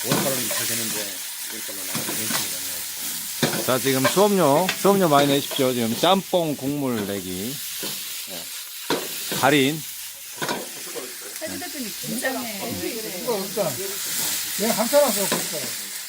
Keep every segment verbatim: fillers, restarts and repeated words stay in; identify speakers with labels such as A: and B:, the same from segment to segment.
A: 오월달은 잘 되는데 오월달은 안 되는
B: 자, 지금 수업료, 수업료 많이 내십시오. 지금 짬뽕 국물 내기. 네. 달인.
C: 사진 대표님 긴장해.
D: 이거 없다. 내가 감싸놨어, 고춧가루.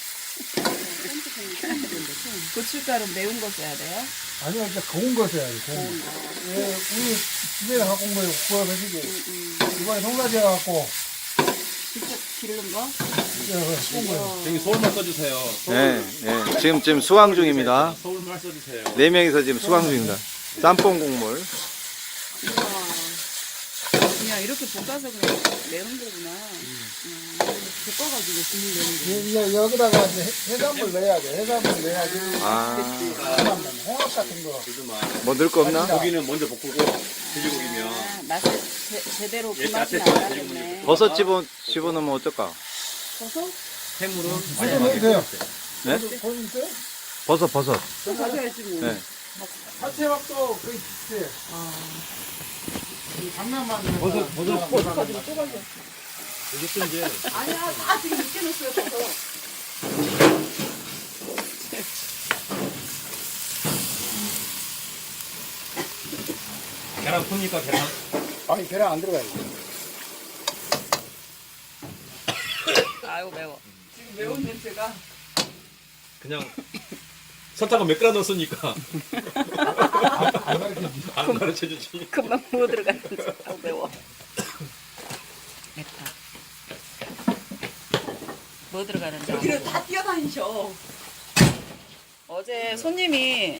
C: 고춧가루 매운 거 써야 돼요?
D: 아니요, 이제 고운 거 써야지, 고운 거. 예, 우리 집에서 갖고 온 거예요, 구워가지고. 이번에 송가지 해갖고,
C: 직접 기른 거?
D: 이제 쏜 거예요.
A: 여기 서울말 써주세요. 서울,
B: 네, 네. 지금, 지금 수강 중입니다.
A: 서울말 써주세요.
B: 네 명이서 지금 수강 중입니다. 짬뽕 국물.
C: 우와. 그냥 이렇게 볶아서 그냥 매운 거구나. 음. 볶아가지고 국물 내는 거.
D: 여, 여, 여기다가 이제 해- 해산물 넣어야 돼. 해산물 넣어야지.
B: 아,
D: 해산물, 홍합 같은 거.
B: 뭐 넣을 거 없나?
A: 고기는 먼저 볶고 돼지고기면
C: 아, 맛을 제, 제대로 그
A: 예,
C: 맛이
A: 앞에
C: 나가겠네.
B: 버섯 집어, 집어넣으면 어떨까?
C: 버섯?
A: 해물은
D: 버섯 넣어도 돼요.
B: 네?
D: 버섯, 버섯 있어요?
B: 버섯, 버섯.
C: 또 가져야지 뭐.
B: 네.
D: 파채밥도 거의 비슷해. 이 장난만.
A: 버섯, 버섯,
D: 버섯.
C: 가지고 또 가져.
A: 이것도 이제
C: 아니야, 다 지금 늦게 넣었어요, 버섯.
A: 계란 풉니까 계란?
D: 아니, 계란 안 들어가요.
C: 아유, 매워. 지금 매운 냄새가.
A: 그냥 설탕을 몇 그램 넣었으니까 안 가르쳐주지.
C: 금방 부어 들어갔는지. 아우, 매워. 맵다. 뭐 들어가는지. 여기를 다 뛰어다니셔. 어제 손님이